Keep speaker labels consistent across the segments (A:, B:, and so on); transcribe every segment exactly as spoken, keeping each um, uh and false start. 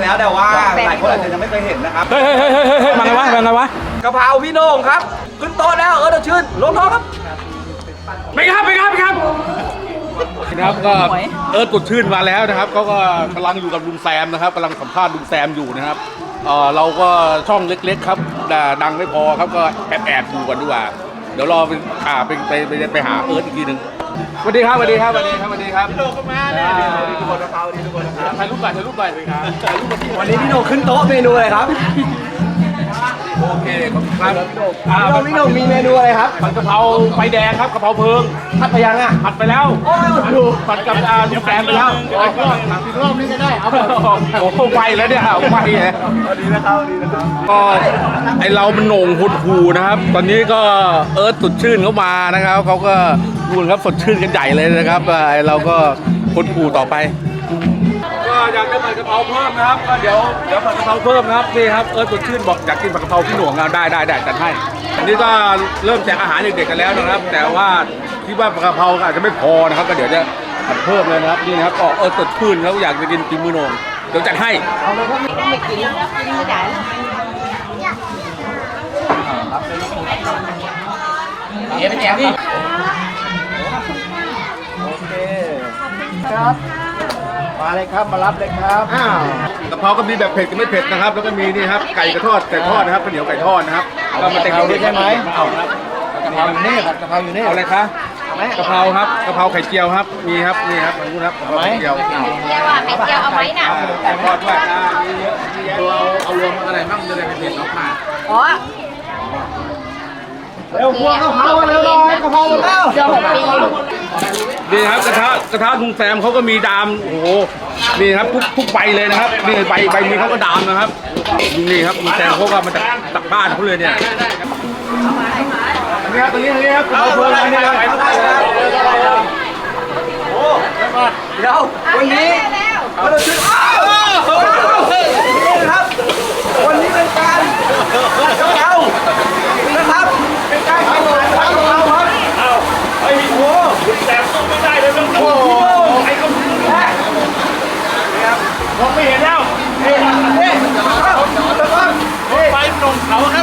A: แล้วแต่ว่าหลายคนอาจจะยังไม่เคยเห็นนะครับ
B: เฮ้ยเฮ้ยเฮ้ยเฮ้ยเฮ้ยมาไงวะมาไงวะ
A: กะเพราพี่โหน่งครับขึ้นโต๊ะแล้วเออเดี๋ยวชื่นลงท้องครับ
B: ไปครับไปครับไปครับนะครับก็เอิร์ธกดชื่นมาแล้วนะครับเขาก็กำลังอยู่กับลุงแซมนะครับกำลังสัมภาษณ์ลุงแซมอยู่นะครับเออเราก็ช่องเล็กๆครับดังไม่พอครับก็แอบแอบดูกันดีกว่าเดี๋ยวรอไปอ่าไปไปไปไปหาเอิร์ธอีกทีหนึ่งสวัสดีครับสวัสดีครับสวัสดีครับสวัสดีครับพี่โหน่งก็มาเนี่ยทุกคนนะครับทุกคนนะครับถ่ายรูปก่อนถ่ายรูปก่อนเลยครับถ่ายรูปกันที่
A: วันนี้พี่โหน่งขึ้นโต๊ะเมนูอะไรครับ
B: โอเคครับพี่โหน่ง
A: พี่โหน่งมีเมนูอะไรครับ
B: ผัดกะเพราไฟแดงครับกะเพราเพลิง
A: ผัดไปยังอ่ะ
B: ผัดไปแล้วโอ้ยดูผัดกับอาลุงแซมไปแล้วอีกรอบอีกรอบนี้ก็ได้เอาโอ้โหไวแล้วเนี่ยไวเลย
A: ดีนะครับดีนะครับ
B: ก็ไอเรามันโหน่งหดหูนะครับตอนนี้ก็เอิร์ธสดชื่นเข้ามานะครับเขาก็ดูครับสดชื่นกันใหญ่เลยนะครับไอเราก็หดหูต่อไปก็อยากจะผัดกะเพราเพิ่มนะครับก็เดี๋ยวเดี๋ยวผัดกะเพราเพิ่มนะครับนี่ครับเอิร์ธสดชื่นบอกอยากกินผัดกะเพราพี่หน่วงได้ได้ได้จัดให้อันนี้ก็เริ่มแจกอาหารเด็กๆกันแล้วนะครับแต่ว่าคิดว่าผัดกะเพราอาจจะไม่พอนะครับก็เดี๋ยวจะผัดเพิ่มเลยนะครับนี่นะครับก็เอิร์ธสดชื่นเขาอยากจะกินกินมือหน่วงเดี๋ยวจัดให้
C: เอาเลยครับไม่กินกินไม่ได้
A: เอ๋เป็นแจกพี่โอเคครับมาเลยครับมารับเลยครับอ้าว
B: กะเพราก็มีแบบเผ็ดกับไม่เผ็ดนะครับแล้วก็มีนี่ครับไก่กระทอดไก่ทอดนะครับข้าวเหนียวไก่ทอดนะครับก็มาแต่งด้วยใช่ไหมเอา
A: กะเพราอยู่นี่ครับกะเพราอยู่นี่
B: เอาอะไรคะกะเพราครับกะเพราไข่เจียวครับมีครับนี่ครับขอบคุณครับกะเพราไข่เจียว
C: ไข่เจียวอ่ะไข่เจียวเอาไหมน่ะ
B: ไก่ทอดด้วยเราเอารวมอะไรบ้างจะได้เผ็ดออกมา
C: อ๋อ
A: เร็วพวกกะเพราเร็วหน่อยกะเพราแล้ว
C: เจียวหกปี
B: นี่ครับกระทะกระทะลุงแซมเขาก็มีดามโอ้โหนี่ครับทุกทุกใบเลยนะครับนี่ใบใบนี้เขาก็ดามนะครับนี่ครับลุงแซมเขาก็มาจากจากบ้านเขาเลยเนี่ยนี่ครับตรงนี้ตรงนี้ครับเราเพิ่มนี่ครับ
A: โอ้เดี๋ยววันนี้เราชื่ออ้าวนี่นะครับวันนี้เป็นการกะเพรานะครับเป็นการทำอาหารกะเพราครับเอาไอ้โว้แต่สู้ไม่ได้เลยต้องโอ้ไอ้คนนี้แหละนี่ครับมองไม่เห็นแล้วเฮ้ยเฮ้ยไปลงเขาครับ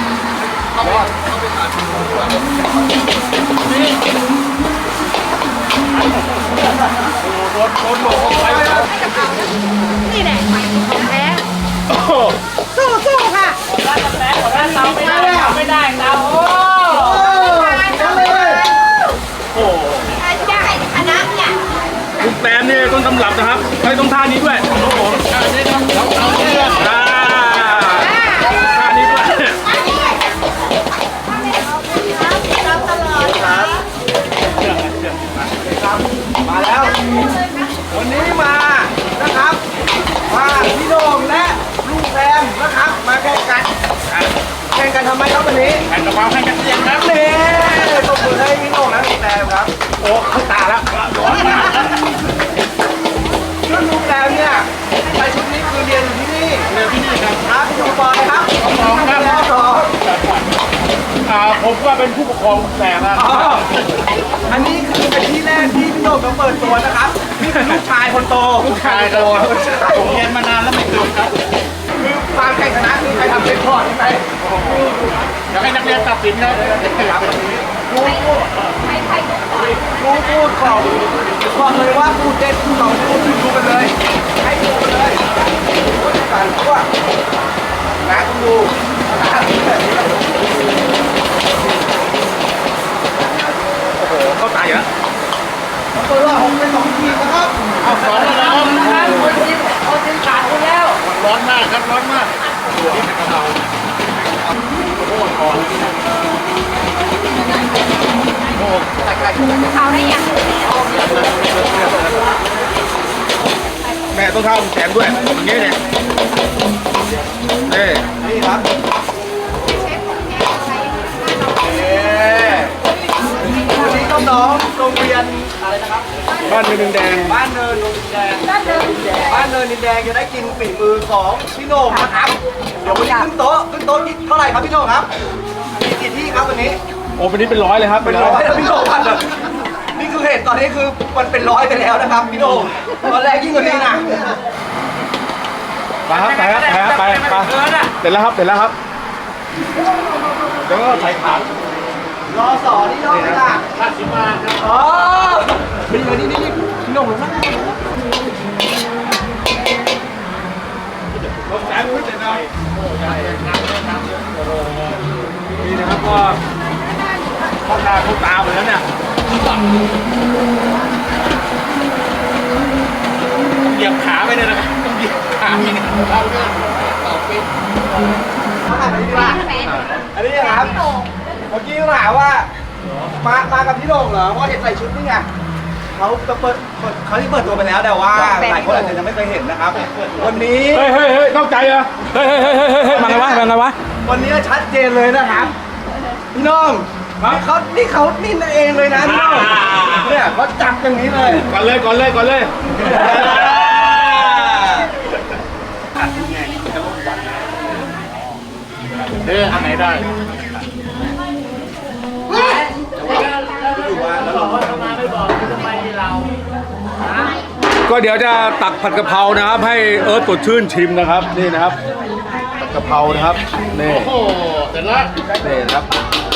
C: นี่แหละของแท้สู้สู้ค่ะร้านกาแฟของร้านเราไม่ได้ไม่ได้เราโอ้โอ้ได้คณะเนี่ย
B: ลุงแซมนี่ต้นตำรับนะครับใช้ต้องท่านี้ด้วยโอ้โหท่านี้ต้องท่านี้ด้วยท่านี้ด้วย
A: มาแล้ววันนี้มานะครับมาพี่โหน่งและลุงแซมนะครับมาแข่งกันแข่งกันทำไมครับวันนี้
B: แข่งกะเพราแข่งกันเสียงครับ
A: นี่ตบมือให้พี่โหน่งและลุงแซมครับ
B: โอ้เข้าตาแล้วร้อนมาก
A: ชุดลุงแซมเนี่ยใส่ชุดนี้คือเรียนอยู่ที่นี่
B: เรียนที่นี่ครับ
A: ครับพี่ดูบอลครับ
B: สองครับสองอ่าผมว่าเป็นผู้ปกครองลุงแซมนะ
A: อันนี้คือเป็นที่แรกที่พี่โหน่งมาเปิดตัวนะครับนี่เป็นลูกชายคนโต
B: ลูกชายโตผมเรียนมานานแล้วไม่เคยครับ
A: คือความแข่งชนะคือใครทำเป็นพอร์ตใช่ไหม
B: อยากให้นักเรียนตัดสินครับ
A: รู้พูดรู้พูดของบอกเลยว่าพูดเด็ดสองพูดดูกันเลยให้ดูกันเลยพูดกันทั่วนะคุณดู
B: โอ้โหเข้าตาอยู่แล้ว
A: ตัวละหกเป็นสองทีนะครับ
B: เอาสอนแล้วนะครับ
C: คนจิ้มเอาจิ้มขาดไปแล้ว
B: ร้อนมากครับร้อนมากตัวนี้เป็นกะเพราโอ้โหโอ้
C: เขาได้ยัง
B: แม่ต้องเท้าแขนด้วยอย่างนี้เนี่ยนี่
A: นี่ครับวันนี้น้องๆโรงเรียนอะไรนะครับ
B: บ้านเนินดินแดง
A: บ้านเนินดินแดงบ้านเนินดินแดงบ้านเนินดินแดงจะได้กินฝีมือของพี่โหน่งนะครับเดี๋ยววันนี้ขึ้นโต๊ะขึ้นโต๊ะเท่าไหร่ครับพี่โหน่งครับมีกี่ที่ครับวันนี้
B: โอ้วันนี้เป็นร้อยเลยครับ
A: เป็นร้อยแล้วพี่โหน่งพันเลยนี่คือเหตุตอนนี้คือมันเป็นร้อยไปแล้วนะครับพี่โหน่งตอนแรกยิ่งกว่านี้นะ
B: ไปครับไปครับไปครับไปไปเสร็จแล้วครับเสร็จแล้วครับแล้วก็ใส่ขาร
A: อสอนี่ยอดเลยค่ะข้าสิมาครับอ๋อนี่เลยนี่นี่นี่พี่น้องลงนะ
B: รถแสนไม่เสร็จเลยนี่นะครับก็เข้าตาเข้าตาหมดแล้วเนี่ยเหยียบขาไปเลยนะครับต้องเหยียบขาไปเนี่ยเราเนี่ยต่อเป็น
A: อันนี้ดีกว่าอันนี้ครับเมื่อกี้ถามว่ามามากับพี่โหน่งเหรอเพราะเห็นใส่ชุดนี่ไงเขาจะเปิดเปิดเขาที่เปิดตัวไปแล้วแต่ว่าหลายคนอาจจะยังไม่เคยเห็นนะครับวันนี้
B: เฮ้ยเฮ้ยเฮ้ยนอกใจเหรอเฮ้ยเฮ้ยเฮ้ยเฮ้ยเฮ้ยมาไงวะมาไงวะ
A: วันนี้ชัดเจนเลยนะครับพี่น้องนี่เขานี่เขานี่เองเลยนะพี่น้องเนี่ยเขาจับอย่างนี้เลย
B: ก่อนเลยก่อนเลยก่อนเลยเด้ออันไหนได้ก็เดี๋ยวจะตักผัดกะเพรานะครับให้เอิร์ธสดชื่นชิมนะครับนี่นะครับผัดกะเพรานะครับนี่โอ้โหเสร็จแล้วนี่นะครับ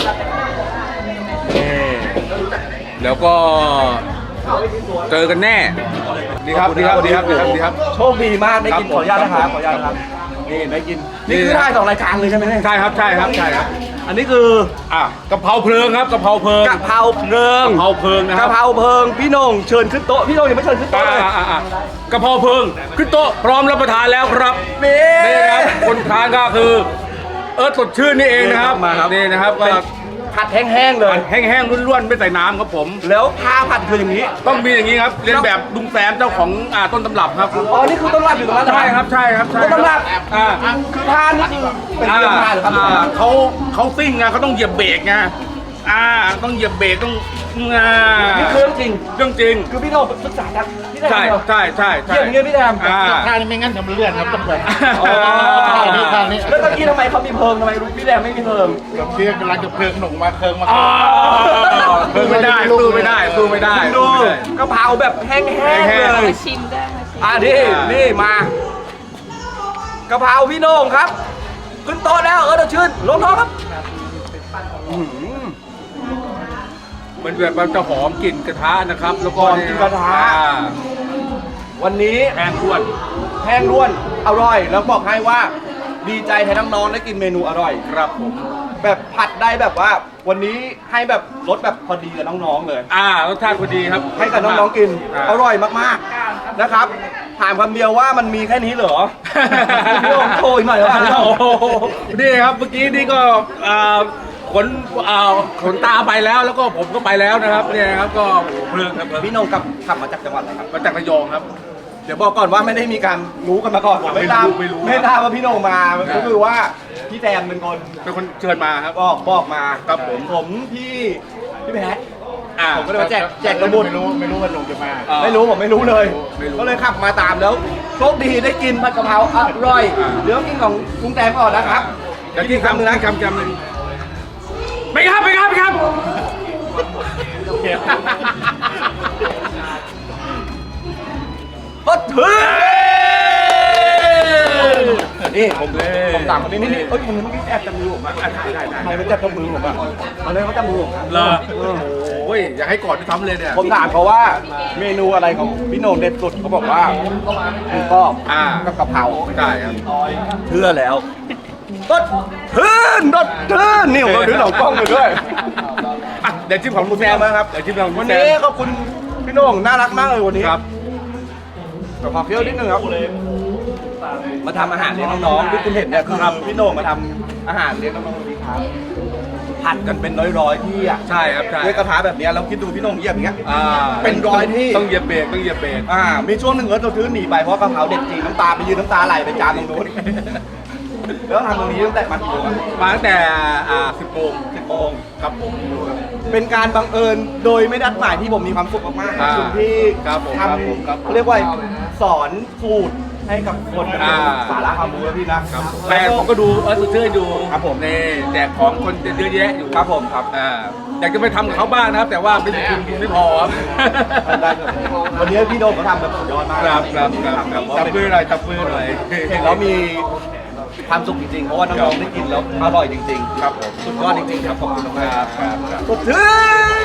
B: นี่แล้วก็เจอกันแน่ดีครับดีครับดีครับดีครับดีครับ
A: โชคดีมากได้กินขออนุญาตนะครับขออนุญาตนะครับนี่ได้กินนี่คือถ่ายสองรายการเลยใช่ไหมเนี่ย
B: ใช่ครับใช่ครับใช่ครับ
A: อันนี้คือ
B: อ่ะกะเพราเพลิงครับกะเพราเพลิง
A: กะเพราเพลิง
B: กะเพราเพลิงนะค
A: กะ
B: รับ
A: เพราเพลิงพี่โหน่งเชิญขึ้นโต๊ะพี่โหน่งยังไม่เชิญขึ้น
B: อ่า
A: โต๊ะเลย
B: อ่าอ่าอ่ากะเพราเพลิงขึ้นโต๊ะพร้อมรับประทานแล้วครับ
A: นี่
B: นี่นะครับคนทานก็คือเอิร์ธสดชื่นนี่เองนะครับ
A: มาครับ
B: นี่นะครับก็
A: เป็นผัดแห้งๆเลย
B: แห้งๆล้วนๆไม่ใส่น้ำครับผม
A: แล้วผ้าผัดคืออย่างนี้
B: ต้องมีอย่างนี้ครับเรียนแบบลุงแซมเจ้าของอ่าต้นตำรับครับ
A: อ๋อนี่คือต้นรับอยู่ตรงนั้นเหอ
B: ใช่ครับใช่ครับใช่
A: ต้นตำรับ
B: อ่า
A: คือผ้านี่คือเป็นเรื่องผ้าหรือครับ
B: อ่าเขาเขาซิ่งไงเขาต้องเหยียบเบรกไงอ่าต้องเหยียบเบรกต้องอ่า
A: นี่คือเรื่องจริง
B: เรื่องจริง
A: คือพี่โหน่งศึกษาจากพี่แดม
B: ใช่
A: เหรอ
B: ใช่ใช่ใช่
A: เยี่ยมอย่างเงี้ยพี่แดม
B: อ่า
D: ท่านี้ไม่งั้นทำเลื่อนครับต้องแบบ
A: อ๋อ
D: ท่านี้ท่านี้
A: แล้วตะกี้ทำไมเขามีเพิงทำไมรู้พี่แดมไม่มีเพิง
D: เพียงกำลังจะเพลิงหนุ่มมาเคิงมา
B: อ๋อสู้ไม่ได้สู้ไม่ได้สู้ไม่ได้
A: ดู
B: สู้ไม่ได้
A: กะเพราแบบแห้งๆ
B: แห้งๆ
A: เลย
C: ชิมได้มาชิม
A: อ่ะนี่นี่มากะเพราพี่โหน่งครับ ขึ้นโต๊ะแล้วเออเดี๋ยวชื่นลงโต๊ะครับอื้อหือ
B: มันแบบมันจะหอมกลิ่นกระทะนะครับ แล้วก็
A: หอมกลิ่นกระทะ
B: อ่า
A: วันนี้
B: แห้งล้วน
A: แห้งล้วนอร่อย แล้วบอกให้ว่าดีใจแทนน้องๆได้กินเมนูอร่อย
B: ครับผม
A: แบบผัดได้แบบว่า วันนี้ให้แบบรสแบบพอดีกับน้องๆเลย
B: อ่ารสชาติพอดีครับ
A: ให้กับน้องๆกิน
B: า
A: อร่อยมากๆนะครับ ถามคำเดียวว่ามันมีแค่นี้เหรอ พี่โอ่งโชว์อีกหน่อยเหรอ
B: โอ้โหนี่ครับเมื่อกี้นี่ก็อ่าขนอ่าขนตาไปแล้วแล้วก็ผมก็ไปแล้วนะครับเนี่ยนะครับก็โอ้โหเพลิงครับเพลิง
A: พี่โหนงกลับขับมาจากจังหวัดอะไรครับ
B: มาจากระยองครับ
A: เดี๋ยวบอกก่อนว่าไม่ได้มีการรู้กันมาก่อน
B: ไม่รู้
A: ไม่ทราบ
B: ไม่รู้
A: ไม่ทราบว่าพี่โหนงมาก็คือว่าพี่แซมเป็นคน
B: เป็นคนเชิญมาครับ
A: บอกบอกมา
B: ครับผม
A: ผมพี่พี่แพท
B: อ่า
A: ผมก็เลยมาแจกแจกกระบุญ
D: ไม่รู้ไม่รู้ว่าหนุ่มจะมา
B: อ่า
A: ไม่รู้ผมไม่รู้เลย
B: ไม่รู้
A: ก็เลยขับมาตามแล้วโชคดีได้กินผัดกะเพราอร่อย
B: อ่า
A: เดี๋ยวกินของลุงแตงก่อนนะครับ
B: เดี๋ยวกินคำหนึงนะคำคำหนึ่งไปครับไปครับไปครับ
A: ก็ถึงนี่ผมผมตามคนนี้นี่นี่เอ้ยคนนี้เมื่อกี้แอบจับมือผมอ่ะได้ได้ใครมาจับมือผมอ่ะมาเลยเขาจับมือผม
B: เหรอโอ้ยอยากให้กอดด้วยซ้ำเลยเนี่ย
A: ผมถามเขาว่าเมนูอะไรของพี่โหน่งเด็ดสุดเขาบอกว่าหมูกรอบ
B: อ่า
A: กับกะเพรา
B: ได้ครับ
A: เชื่อแล้วก็ทื่นรถทื่นนี่ผมก็ถือหลังกล้องไปด้วย
B: อ่ะเดี๋ยวชิมของลุงแซมนะครับเดี๋ยวชิมของลุ
A: วั
B: ง
A: น
B: แซ
A: นี้
B: ม
A: ขอบคุณพี่โหน่งน่ารักมากเลยวันนี้
B: ครับ
A: แต่ขอเคี้ยวนิดนึงครับมาทำอาหารเลี้ยงน้องๆที่คุณเห็นเนี่ยคือพี่โหน่งมาทำอาหารเลี้ยงน้องๆดีครับผัดกันเป็นร้อยๆที่อ่ะ
B: ใช่ครับใช่
A: ด้วยกระทะแบบเนี้ยแล้วคิดดูพี่โหน่งเหยียบอย่างเงี้ย
B: อ่า
A: เป็นร้อยที่
B: ต้องเหยียบเบรกต้องเหยียบเบรก
A: อ่ามีช่วงหนึ่งเออเราซื้อหนีไปเพราะกะเพราเด็ดจริงน้ำตาไปยืนน้ำตาไหลไปจานตรงนู้น แล้วทำตรงนี้ตั้งแต่มากี่โมงอะ
B: มาตั้งแต่อ่าสิบโมง
A: สิบโมง
B: ครับผม
A: เป็นการบังเอิญโดยไม่ได้นัดหมายที่ผมมีความสุขมากๆขอบคุณที่
B: ครับผม
A: ท
B: ครับผมครับ
A: ำเขาเรียกว่าสอนสูตรให้กับคน
B: อ่า
A: สาระความรู้แล้วพี่นะครับ
B: แฟนผมก็ดูเออสดชื่นอยู่
A: ครับผม
B: นี่แจกของคนเยอะแยะอยู่
A: ครับผมครับ
B: อ่าอยากจะไปทำกับเขาบ้างนะครับ แต่ว่าไม่ทุนทุนไม่พอครับ
A: ได้ครับวันนี้พี่โดมเขาทำแบบสุดยอดมาก
B: ครับครับครับครับจับมือหน่อยจับมือหน่อย
A: เห็นแล้วมีความสุขจริงๆ เพราะว่าน้องๆได้กินแล้วอร่อยจริงๆ
B: ครับผม
A: สุดยอดจริงๆครับขอบคุณมาก
B: ครับครับครับ
A: สดชื่น